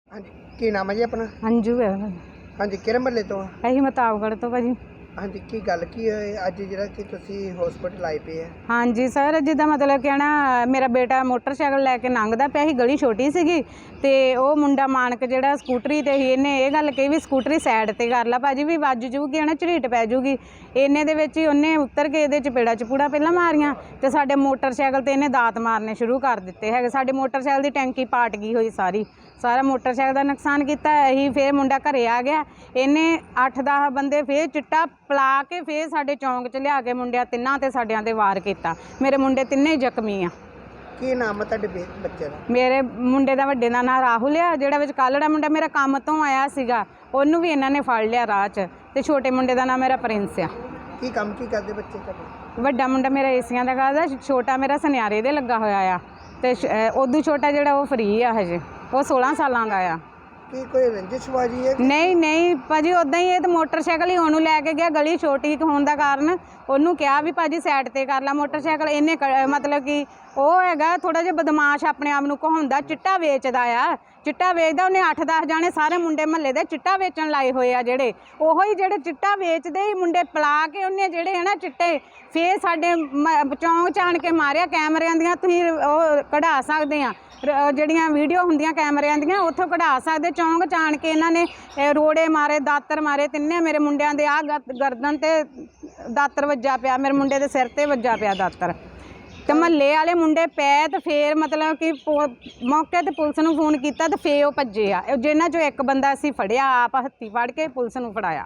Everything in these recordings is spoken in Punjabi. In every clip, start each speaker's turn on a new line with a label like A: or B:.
A: हाँ जी की नाम है जी अपना?
B: अंजू है
A: हाँ जी किहड़े महल्ले तो?
B: ਅਸੀਂ ਮਤਾਬਗੜ੍ਹ ਤੋਂ ਭਾਜੀ।
A: हाँ जी की गल की होए अज जिहड़ा कि तुसीं हॉस्पिटल आए पे है?
B: ਹਾਂਜੀ ਸਰ, ਜਿੱਦਾਂ ਮਤਲਬ ਕਿ ਨਾ ਮੇਰਾ ਬੇਟਾ ਮੋਟਰਸਾਈਕਲ ਲੈ ਕੇ ਲੰਘਦਾ ਪਿਆ ਸੀ, ਗਲੀ ਛੋਟੀ ਸੀਗੀ ਤੇ ਉਹ ਮੁੰਡਾ ਮਾਨਕ ਜਿਹੜਾ ਸਕੂਟਰੀ ਤੇ ਸੀ, ਇਹਨੇ ਇਹ ਗੱਲ ਕਹੀ ਵੀ ਸਕੂਟਰੀ ਸਾਈਡ ਤੇ ਕਰ ਲਾ ਭਾਜੀ, ਵੀ ਵੱਜ ਜੂਗੀ ਨਾ, ਝਰੀਟ ਪੈ ਜੂਗੀ। ਇਹਨੇ ਦੇ ਵਿੱਚ ਹੀ ਉਹਨੇ ਉੱਤਰ ਕੇ ਇਹਦੇ ਚਪੇੜਾ ਚਪੂੜਾ ਪਹਿਲਾਂ ਮਾਰੀਆਂ ਤੇ ਸਾਡੇ ਮੋਟਰਸਾਈਕਲ ਤੇ ਇਹਨੇ ਦਾਤ ਮਾਰਨੇ ਸ਼ੁਰੂ ਕਰ ਦਿੱਤੇ ਹੈਗੇ। ਸਾਡੇ ਮੋਟਰਸਾਈਕਲ ਦੀ ਟੈਂਕੀ ਪਾਟ ਗਈ ਹੋਈ ਸਾਰਾ ਮੋਟਰਸਾਈਕਲ ਦਾ ਨੁਕਸਾਨ ਕੀਤਾ। ਅਸੀਂ ਫਿਰ ਮੁੰਡਾ ਘਰੇ ਆ ਗਿਆ, ਇਹਨੇ 8-10 ਬੰਦੇ ਫਿਰ ਚਿੱਟਾ ਪਲਾ ਕੇ ਫਿਰ ਸਾਡੇ ਚੌਂਕ 'ਚ ਲਿਆ ਕੇ ਮੁੰਡਿਆਂ ਤਿੰਨਾਂ ਤੇ ਸਾਡਿਆਂ ਤੇ ਵਾਰ ਕੀਤਾ। ਮੇਰੇ ਮੁੰਡੇ ਤਿੰਨੇ ਹੀ ਜ਼ਖਮੀ ਆ।
A: ਕੀ ਨਾਮ ਹੈ ਤੁਹਾਡੇ ਬੱਚੇ ਦਾ?
B: ਮੇਰੇ ਮੁੰਡੇ ਦਾ ਵੱਡੇ ਦਾ ਨਾਂ ਰਾਹੁਲ ਆ, ਜਿਹੜਾ ਵਿੱਚ ਕਾਲੜਾ ਮੁੰਡਾ ਮੇਰਾ ਕੰਮ ਤੋਂ ਆਇਆ ਸੀਗਾ, ਉਹਨੂੰ ਵੀ ਇਹਨਾਂ ਨੇ ਫੜ ਲਿਆ ਰਾਹ 'ਚ। ਤੇ ਛੋਟੇ ਮੁੰਡੇ ਦਾ ਨਾਂ ਮੇਰਾ ਪ੍ਰਿੰਸ ਆ।
A: ਕੀ ਕੰਮ ਕੀ ਕਰਦੇ ਬੱਚੇ ਤੁਹਾਡੇ?
B: ਵੱਡਾ ਮੁੰਡਾ ਮੇਰਾ ਏਸੀਆਂ ਦਾ ਕਰਦਾ, ਛੋਟਾ ਮੇਰਾ ਸੁਨਿਆਰੇ ਦੇ ਲੱਗਾ ਹੋਇਆ ਆ ਤੇ ਉਦੋਂ ਛੋਟਾ ਜਿਹੜਾ ਉਹ ਫਰੀ ਆ, ਹਜੇ ਉਹ 16 ਸਾਲਾਂ ਦਾ ਆ।
A: ਕੀ ਕੋਈ ਰੰਜਿਸ਼ਬਾਜੀ ਹੈ?
B: ਨਹੀਂ ਭਾਜੀ, ਉੱਦਾਂ ਹੀ ਇਹ ਤਾਂ ਮੋਟਰਸਾਈਕਲ ਹੀ ਉਹਨੂੰ ਲੈ ਕੇ ਗਿਆ, ਗਲੀ ਛੋਟੀ ਹੋਣ ਦਾ ਕਾਰਨ ਉਹਨੂੰ ਕਿਹਾ ਵੀ ਭਾਜੀ ਸਾਈਡ ਤੇ ਕਰ ਲਾ ਮੋਟਰਸਾਈਕਲ। ਇਹਨੇ ਮਤਲਬ ਕਿ ਉਹ ਹੈਗਾ ਥੋੜਾ ਜਿਹਾ ਬਦਮਾਸ਼, ਆਪਣੇ ਆਪ ਨੂੰ ਕਹਾਉਂਦਾ, ਚਿੱਟਾ ਵੇਚਦਾ ਆ, ਚਿੱਟਾ ਵੇਚਦਾ। ਉਹਨੇ 8-10 ਜਾਣੇ ਸਾਰੇ ਮੁੰਡੇ ਮਹੱਲੇ ਦੇ ਚਿੱਟਾ ਵੇਚਣ ਲਾਏ ਹੋਏ ਆ, ਜਿਹੜੇ ਉਹੋ ਹੀ ਜਿਹੜੇ ਚਿੱਟਾ ਵੇਚਦੇ ਹੀ ਮੁੰਡੇ ਪਲਾ ਕੇ ਉਹਨੇ ਜਿਹੜੇ ਹੈ ਨਾ ਚਿੱਟੇ ਫੇਰ ਸਾਡੇ ਚੌਂਕ 'ਚ ਆਣ ਕੇ ਮਾਰਿਆ। ਕੈਮਰਿਆਂ ਦੀਆਂ ਤੁਸੀਂ ਉਹ ਕਢਾ ਸਕਦੇ ਆ, ਜਿਹੜੀਆਂ ਵੀਡੀਓ ਹੁੰਦੀਆਂ ਕੈਮਰਿਆਂ ਦੀਆਂ ਉੱਥੋਂ ਕਢਾ ਸਕਦੇ। ਚੌਂਕ 'ਚ ਆਣ ਕੇ ਇਹਨਾਂ ਨੇ ਰੋੜੇ ਮਾਰੇ, ਦਾਤਰ ਮਾਰੇ ਤਿੰਨੇ। ਮੇਰੇ ਮੁੰਡਿਆਂ ਦੇ ਆਹ ਗਰਦਨ ਤੇ ਦਾਤਰ ਵੱਜਾ ਪਿਆ, ਮੇਰੇ ਮੁੰਡੇ ਦੇ ਸਿਰ ਤੇ ਵੱਜਾ ਪਿਆ ਦਾਤਰ। ਤੇ ਮਹੱਲੇ ਵਾਲੇ ਮੁੰਡੇ ਪੈ ਤੇ ਫੇਰ ਮਤਲਬ ਕਿ ਮੌਕੇ ਤੇ ਪੁਲਿਸ ਨੂੰ ਫੋਨ ਕੀਤਾ ਤੇ ਫੇਰ ਉਹ ਭੱਜੇ ਆ। ਜਿਨ੍ਹਾਂ 'ਚੋਂ ਇੱਕ ਬੰਦਾ ਅਸੀਂ ਫੜਿਆ, ਆਪ ਹੱਥੀਂ ਫੜ ਕੇ ਪੁਲਿਸ ਨੂੰ ਫੜਾਇਆ।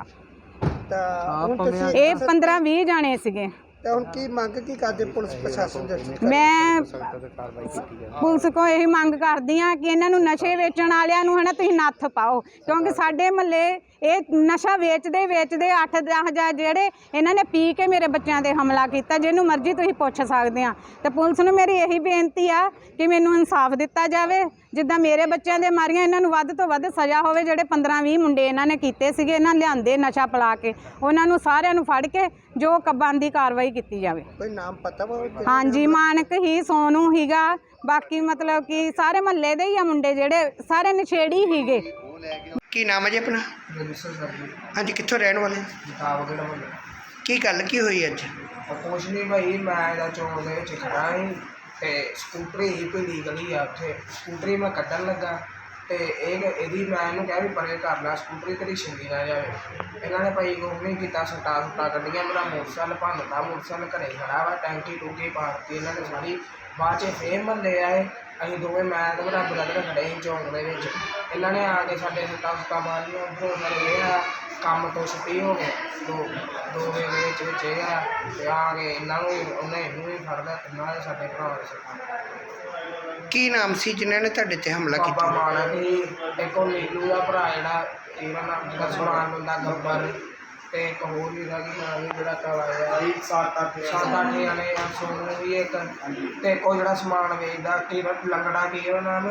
B: ਇਹ 15-20 ਜਾਣੇ ਸੀਗੇ।
A: ਤੇ ਹੁਣ ਕੀ ਮੰਗ ਕੀ ਕਰਦੇ ਪੁਲਿਸ ਪ੍ਰਸ਼ਾਸਨ ਦੇ?
B: ਮੈਂ ਪੁਲਿਸ ਕੋਲ ਇਹੀ ਮੰਗ ਕਰਦੀ ਹਾਂ ਕਿ ਇਹਨਾਂ ਨੂੰ ਨਸ਼ੇ ਵੇਚਣ ਵਾਲਿਆਂ ਨੂੰ ਹੈ ਨਾ ਤੁਸੀਂ ਨੱਥ ਪਾਓ, ਕਿਉਂਕਿ ਸਾਡੇ ਮਹੱਲੇ ਇਹ ਨਸ਼ਾ ਵੇਚਦੇ 8-10 ਜਿਹੜੇ ਇਹਨਾਂ ਨੇ ਪੀ ਕੇ ਮੇਰੇ ਬੱਚਿਆਂ 'ਤੇ ਹਮਲਾ ਕੀਤਾ। ਜਿਹਨੂੰ ਮਰਜ਼ੀ ਤੁਸੀਂ ਪੁੱਛ ਸਕਦੇ ਆ। ਤੇ ਪੁਲਿਸ ਨੂੰ ਮੇਰੀ ਇਹੀ ਬੇਨਤੀ ਆ ਕਿ ਮੈਨੂੰ ਇਨਸਾਫ ਦਿੱਤਾ ਜਾਵੇ। ਜਿੱਦਾਂ ਮੇਰੇ ਬੱਚਿਆਂ ਦੇ ਮਾਰੀਆਂ, ਇਹਨਾਂ ਨੂੰ ਵੱਧ ਤੋਂ ਵੱਧ ਸਜ਼ਾ ਹੋਵੇ। ਜਿਹੜੇ 15-20 ਮੁੰਡੇ ਇਹਨਾਂ ਨੇ ਕੀਤੇ ਸੀਗੇ, ਇਹਨਾਂ ਲਿਆਂਦੇ ਨਸ਼ਾ ਪਿਲਾ ਕੇ, ਉਹਨਾਂ ਨੂੰ ਸਾਰਿਆਂ ਨੂੰ ਫੜ ਕੇ ਜੋ ਬਣਦੀ ਕਾਰਵਾਈ ਕੀਤੀ ਜਾਵੇ।
A: ਕੋਈ ਨਾਮ ਪਤਾ ਵਾ?
B: ਹਾਂਜੀ, ਮਾਨਕ ਹੀ, ਸੋਨੂ ਹੀਗਾ, ਬਾਕੀ ਮਤਲਬ ਕਿ ਸਾਰੇ ਮਹੱਲੇ ਦੇ ਹੀ ਆ ਮੁੰਡੇ, ਜਿਹੜੇ ਸਾਰੇ ਨਸ਼ੇੜੀ ਹੀਗੇ।
A: ਕੀ ਨਾਮ ਹੈ ਜੀ ਆਪਣਾ? ਹਾਂਜੀ ਕਿੱਥੋਂ ਰਹਿਣ ਵਾਲੇ?
C: ਮਤਾਬਗੜ੍ਹ ਮੁਹੱਲੇ।
A: ਕੀ ਗੱਲ ਕੀ ਹੋਈ ਅੱਜ?
C: ਕੁਛ ਨਹੀਂ ਭਾਈ, ਮੈਂ ਇਹਦਾ ਚੌਂਕ ਦੇ ਵਿੱਚ ਖੜਾ ਸੀ ਤੇ ਸਕੂਟਰੀ ਹੀ ਭੀੜੀ ਗਲੀ ਆ, ਉੱਥੇ ਸਕੂਟਰੀ ਮੈਂ ਕੱਢਣ ਲੱਗਾ ਤੇ ਇਹਦੀ ਮੈਂ ਇਹਨੂੰ ਕਿਹਾ ਵੀ ਪਰੇ ਕਰ ਲਾ, ਸਕੂਟਰੀ ਤੇਰੀ ਛਿੰਦੀ ਨਾ ਜਾਵੇ। ਇਹਨਾਂ ਨੇ ਭਾਈ ਕੁਛ ਨਹੀਂ ਕੀਤਾ, ਸੱਟਾਂ ਕੱਢੀਆਂ। ਮੇਰਾ ਮੋਟਰਸਾਈਕਲ ਭੰਨਤਾ, ਮੋਟਰਸਾਈਕਲ ਘਰੇ ਖੜਾ ਵਾ, ਟੈਂਕੀ ਟੂਕੀ ਪਾੜ ਕੇ ਇਹਨਾਂ ਨੇ ਸਾਰੀ। ਬਾਅਦ 'ਚ ਫੇਰ ਮਹੱਲੇ ਆਏ, ਅਸੀਂ ਦੋਵੇਂ, ਮੈਂ ਤੇ ਮੇਰਾ ਬ੍ਰਦਰ ਖੜੇ ਸੀ ਚੌਂਕ ਦੇ ਵਿੱਚ। ਇਹਨਾਂ ਨੇ ਆ ਕੇ ਸਾਡੇ ਸੱਟਾਂ ਮਾਰੀਆਂ। ਉੱਧਰੋਂ ਸਾਡੇ ਇਹ ਆ ਕੰਮ ਤੋਂ ਛੁੱਟੀ ਹੋ ਗਏ, ਦੋ ਵੇ ਦੇ ਵਿੱਚ ਇਹ ਆ ਤੇ ਆ ਕੇ ਇਹਨਾਂ ਨੂੰ ਇਹਨੂੰ ਵੀ ਫੜ ਲਿਆ, ਤਿੰਨਾਂ ਦੇ ਸਾਡੇ ਭਰਾ ਦੇ ਸੱਟਾਂ।
A: ਕੀ ਨਾਮ ਸੀ ਜਿਨ੍ਹਾਂ ਨੇ ਤੁਹਾਡੇ ਤੇ ਹਮਲਾ
C: ਬਾਬਾ
A: ਕੀਤਾ?
C: ਮਾਨਕ ਸੀ, ਇੱਕ ਉਹ ਨੀਲੂ ਦਾ ਭਰਾ ਜਿਹੜਾ, ਇਹਦਾ ਨਾਮ ਜਿਹੜਾ ਸੁਰਾਨ ਬੰਦਾ ਗੱਬਰ, ਤੇ ਇੱਕ ਹੋਰ ਵੀ ਦਾ ਕੀ ਨਾਮ ਜਿਹੜਾ ਕਵਾਇਆ 7-8 ਜਾਣੇ ਆ, ਸੋਨੂੰ ਵੀ ਇੱਕ, ਤੇ ਕੋਈ ਜਿਹੜਾ ਸਮਾਨ ਵੇਚਦਾ ਕੀ ਲੰਗੜਾ, ਕੀ ਉਹਦਾ ਨਾਮ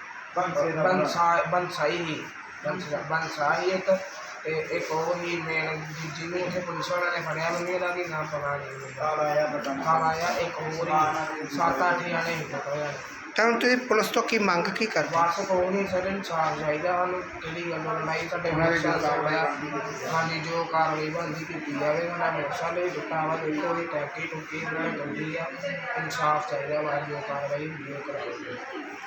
C: ਬੰਸਾਈ ਇੱਕ, ਤੇ ਇੱਕ ਉਹ ਹੀ ਮੇਨ ਜਿਹਨੂੰ ਉੱਥੇ ਪੁਲਿਸ ਵਾਲਿਆਂ ਨੇ ਫੜਿਆ, ਮੈਨੂੰ ਇਹਦਾ ਕੀ ਨਾਮ ਪਤਾ ਨਹੀਂ। ਖਾਲਾਇਆ ਇੱਕ ਹੋਰ ਹੀ 7-8 ਜਾਣੇ ਹੀ ਪਤਾ।
A: ਤਾਂ ਹੁਣ ਤੁਸੀਂ ਪੁਲਿਸ ਤੋਂ ਕੀ ਮੰਗ ਕੀ ਕਰਦੇ?
C: ਬਸ ਕੋਈ ਨਹੀਂ ਸਰ, ਇਨਸਾਫ ਚਾਹੀਦਾ ਸਾਨੂੰ। ਕਿਹੜੀ ਗੱਲੋਂ ਲੜਾਈ ਸਾਡੇ ਮੋਟਰਸਾਈਕਲ ਹੋਇਆ, ਹਾਂਜੀ ਜੋ ਕਾਰਵਾਈ ਬਣਦੀ ਕੀਤੀ ਜਾਵੇ। ਸਾਡਾ ਮੋਟਰਸਾਈਕਲ ਵੀ ਟੁੱਟਾ ਵਾ, ਦੇਖੋ ਇਹ ਟੈਂਕੀ ਟੁੱਟੀ ਉਹਨਾਂ ਨੇ ਗੰਦੀ ਆ। ਇਨਸਾਫ ਚਾਹੀਦਾ ਵਾ, ਜੋ ਕਾਰਵਾਈ ਹੁੰਦੀ ਉਹ ਕਰਾਈ।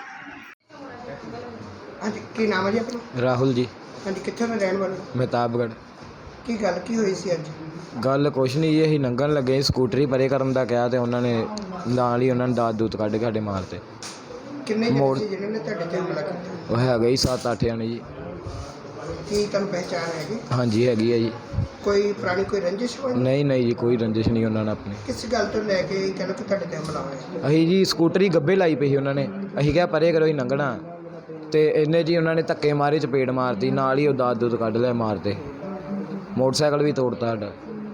A: ਹਾਂਜੀ ਕੀ ਨਾਮ ਹੈ ਜੀ ਆਪਣਾ?
D: ਰਾਹੁਲ ਜੀ।
A: ਹਾਂਜੀ ਕਿੱਥੋਂ ਦੇ ਰਹਿਣ ਵਾਲੇ?
D: ਮਤਾਬਗੜ੍ਹ।
A: ਕੀ ਗੱਲ ਕੀ ਹੋਈ ਸੀ ਅੱਜ?
D: ਗੱਲ ਕੁਛ ਨਹੀਂ ਜੀ, ਅਸੀਂ ਲੰਘਣ ਲੱਗੇ, ਸਕੂਟਰੀ ਪਰੇ ਕਰਨ ਦਾ ਕਿਹਾ ਤੇ ਉਹਨਾਂ ਨੇ ਨਾਲ ਹੀ ਉਹਨਾਂ ਨੇ ਦਾਤ ਦੂਤ ਕੱਢ ਕੇ ਸਾਡੇ ਮਾਰਤੇ।
A: ਕਿੰਨੇ ਜਣੇ ਸੀ ਜਿਹਨਾਂ ਨੇ ਤੁਹਾਡੇ ਤੇ ਹਮਲਾ ਕੀਤਾ?
D: ਉਹ ਹੈਗਾ ਜੀ 7-8 ਜਾਣੇ ਜੀ।
A: ਕੀ ਤੁਹਾਨੂੰ ਪਹਿਚਾਣ ਹੈਗੀ?
D: ਹਾਂਜੀ ਹੈਗੀ ਹੈ ਜੀ।
A: ਕੋਈ ਪੁਰਾਣੀ ਕੋਈ ਰੰਜਿਸ਼ ਹੋਈ?
D: ਨਹੀਂ ਜੀ, ਕੋਈ ਰੰਜਿਸ਼ ਨਹੀਂ ਉਹਨਾਂ ਨੇ ਆਪਣੀ।
A: ਕਿਸ ਗੱਲ ਤੋਂ ਲੈ ਕੇ ਕਹਿੰਦੇ ਕਿ ਤੁਹਾਡੇ ਤੇ ਹਮਲਾ ਹੋਇਆ?
D: ਅਸੀਂ ਜੀ ਸਕੂਟਰੀ ਗੱਬੇ ਲਾਈ ਪਈ ਸੀ ਉਹਨਾਂ ਨੇ, ਅਸੀਂ ਕਿਹਾ ਪਰੇ ਕਰੋ, ਅਸੀਂ ਲੰਘਣਾ, ਤੇ ਇਹਨੇ ਜੀ ਉਹਨਾਂ ਨੇ ਧੱਕੇ ਮਾਰੇ, ਚਪੇੜ ਮਾਰਤੀ, ਨਾਲ ਹੀ ਉਹ ਦਾਤ ਦੂਤ ਕੱਢ ਲਿਆ ਮਾਰਤੇ। ਮੋਟਰਸਾਈਕਲ ਵੀ ਤੋੜਤਾ ਸਾਡਾ।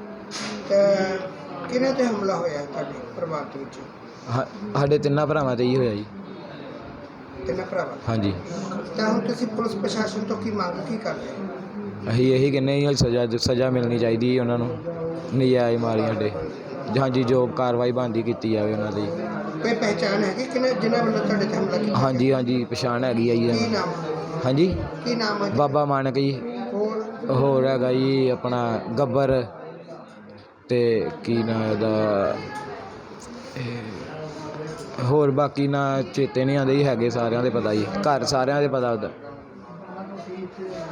A: ਕਿਹਨਾਂ ਤੇ ਹਮਲਾ ਹੋਇਆ ਤੁਹਾਡੇ ਪਰਿਵਾਰ ਦੇ ਵਿੱਚ?
D: ਸਾਡੇ ਤਿੰਨਾਂ ਭਰਾਵਾਂ 'ਤੇ ਹੀ ਹੋਇਆ ਜੀ।
A: ਤਿੰਨਾਂ ਭਰਾਵਾਂ?
D: ਹਾਂਜੀ।
A: ਤਾਂ ਹੁਣ ਤੁਸੀਂ ਪੁਲਿਸ ਪ੍ਰਸ਼ਾਸਨ ਤੋਂ ਕੀ ਮੰਗ ਕੀ ਕਰਦੇ ਹੋ?
D: ਅਸੀਂ ਇਹੀ ਕਹਿੰਦੇ ਹਾਂ ਸਜ਼ਾ ਮਿਲਣੀ ਚਾਹੀਦੀ ਉਹਨਾਂ ਨੂੰ, ਨਜਾਇਜ਼ ਮਾਰੀ ਸਾਡੇ। ਹਾਂਜੀ ਜੋ ਕਾਰਵਾਈ ਬਣਦੀ ਕੀਤੀ ਜਾਵੇ ਉਹਨਾਂ ਦੀ।
A: ਕੋਈ ਪਹਿਚਾਣ ਹੈ ਕਿ ਜਿਨ੍ਹਾਂ ਵੱਲੋਂ ਤੁਹਾਡੇ ਤੇ ਹਮਲਾ ਕੀਤਾ?
D: ਹਾਂਜੀ ਹਾਂਜੀ ਪਛਾਣ ਹੈਗੀ ਆ
A: ਕੀ
D: ਜੀ।
A: ਨਾਮ?
D: ਹਾਂਜੀ
A: ਕੀ ਨਾਮ ਹੈ?
D: ਬਾਬਾ ਮਾਨਕ ਜੀ।
A: ਹੋਰ
D: ਹੋਰ ਹੈਗਾ ਜੀ ਆਪਣਾ ਗੱਬਰ ਤੇ ਕੀ ਨਾਂ ਇਹਦਾ ਹੋਰ ਬਾਕੀ ਨਾ ਚੇਤੇ ਨਹੀਂ ਆਉਂਦੇ ਜੀ, ਹੈਗੇ ਸਾਰਿਆਂ ਦੇ ਪਤਾ ਜੀ, ਘਰ ਸਾਰਿਆਂ ਦੇ ਪਤਾ ਉਹਦਾ।